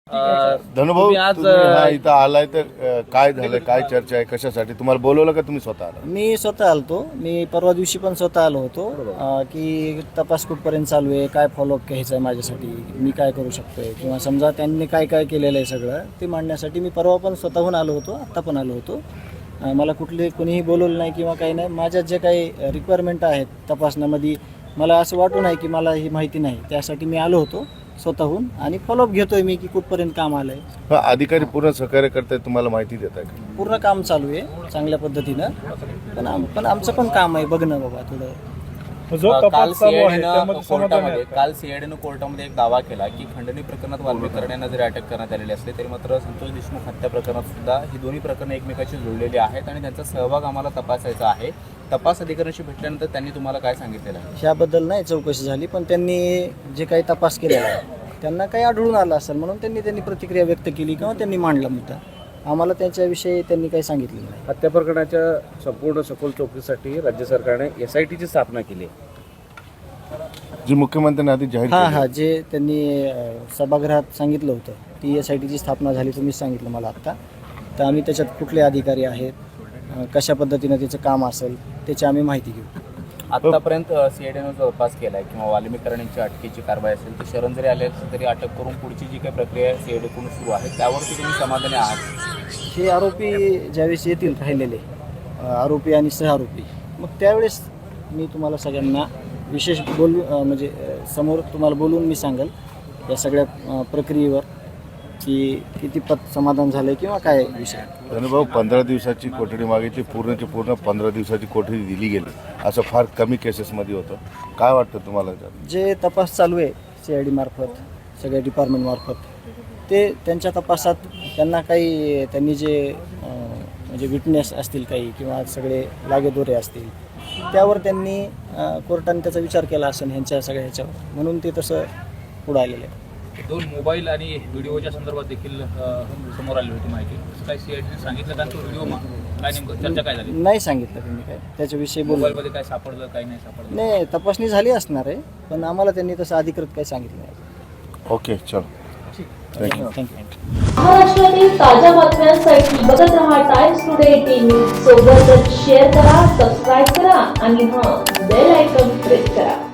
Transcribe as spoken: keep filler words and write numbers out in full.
धनुभाऊ तुम्ही आज, तुम्ही हा इथं आलाय तर अ, काय झालं, काय चर्चा आहे, कशासाठी तुम्हाला बोलवलं का तुम्ही स्वतः आला? मी स्वतः आलतो. मी परवा दिवशी पण स्वतः आलो होतो अं, की तपास कुठपर्यंत चालू आहे, काय फॉलोअप घ्यायचं आहे माझ्यासाठी, मी काय करू शकतोय किंवा समजा त्यांनी काय काय केलेलं आहे सगळं ते मांडण्यासाठी मी परवा पण स्वतःहून आलो होतो, आत्ता पण आलो होतो. अं, मला कुठले कोणीही बोलवलं नाही किंवा काही नाही. माझ्या जे काही रिक्वायरमेंट आहेत तपासण्यामध्ये मला असं वाटू नाही की मला ही माहिती नाही, त्यासाठी मी आलो होतो स्वतःहून आणि फॉलोअप घेतोय मी की कुठपर्यंत काम आलं आहे. हा, अधिकारी पूर्ण सहकार्य करतायत, तुम्हाला माहिती देत आहे का? पूर्ण काम चालू आहे चांगल्या पद्धतीनं. पण आम पण आमचं पण काम आहे बघणं बाबा थोडं. जो काल तपास चालू आहे सीआयडीनं त्यामध्ये समाधान आहे कोर्टामध्ये का? काल सीआयडीनं कोर्टामध्ये एक दावा केला की खंडणी प्रकरणात वाल्मिक यांना जरी अटक करण्यात आलेली असली तरी मात्र संतोष देशमुख हत्या प्रकरणात सुद्धा ही दोन्ही प्रकरणं एकमेकाशी जोडलेली आहेत आणि त्यांचा सहभाग आम्हाला तपासायचा आहे. तपास अधिकाऱ्यांशी भेटल्यानंतर त्यांनी तुम्हाला काय सांगितलेलं आहे? ह्याबद्दल नाही चौकशी झाली, पण त्यांनी जे काही तपास केलेला आहे त्यांना काही आढळून आलं असेल म्हणून त्यांनी त्यांनी प्रतिक्रिया व्यक्त केली किंवा त्यांनी मांडला मुद्दा. आम्हाला त्याच्याविषयी त्यांनी काही सांगितलेलं नाही. हत्या प्रकरणाच्या संपूर्ण सखोल चौकशीसाठी राज्य सरकारने एस आय टीची स्थापना केली आहे. जी मुख्यमंत्र्यांनी आधी जाहीर हां केली. हां जे त्यांनी अं, सभागृहात सांगितलं होतं ती एस आय टीची स्थापना झाली तुम्हीच सांगितलं मला आत्ता. तर आम्ही त्याच्यात कुठले अधिकारी आहेत, अं, कशा पद्धतीनं त्याचं काम असेल त्याची आम्ही माहिती घेऊ. आतापर्यंत सीआयडीनं जो तपास केला आहे किंवा वाल्मिक यांची अटकेची कारवाई असेल तर शरण जरी आले असेल तरी अटक करून पुढची जी काही प्रक्रिया सीआयडीकडून सुरू आहे त्यावरती तुम्ही समाधानी आहात? हे आरोपी ज्यावेळेस येतील राहिलेले अं, आरोपी आणि सहआरोपी, मग त्यावेळेस मी तुम्हाला सगळ्यांना विशेष बोलू अं, म्हणजे अं, समोर तुम्हाला बोलून मी सांगेल या सगळ्या अं, प्रक्रियेवर की किती पत समाधान झालं किंवा काय विषय. धनुभाऊ पंधरा दिवसाची कोठडी मागितली, पूर्णची पूर्ण पंधरा दिवसाची कोठडी दिली गेली, असं फार कमी केसेसमध्ये होतं. काय वाटतं तुम्हाला? जे तपास चालू आहे सी आय डी मार्फत सगळ्या डिपार्टमेंटमार्फत ते त्यांच्या तपासात त्यांना काही त्यांनी जे अं, म्हणजे विटनेस असतील काही किंवा सगळे लागेदोरे असतील त्यावर त्यांनी अं, कोर्टाने त्याचा विचार केला असेल ह्यांच्या सगळ्या ह्याच्यावर, म्हणून ते तसं पुढं आलेलं आहे. दोन मोबाईल आणि व्हिडिओच्या संदर्भात देखील अ, समोर आली होती माहिती. असं काय सीआयडीने सांगितलं का तो व्हिडिओ मग काय नेमकं चर्चा काय झाली? नाही सांगितलं त्यांनी काय त्याच्याविषयी बोलू. मोबाईलमध्ये काय सापडलं काय नाही सापडलं? नाही तपासणी झाली असणार आहे पण आम्हाला त्यांनी तसं अधिकृत काही सांगितलं नाही. ओके, चलो, थँक्यू. थँक्यू. महाराष्ट्रातील ताज्या बातम्यांसाठी बघत रहा टाइम्स टुडे टीव्ही. सोबतच शेअर करा, सबस्क्राईब करा आणि हां बेल आयकॉन प्रेस करा.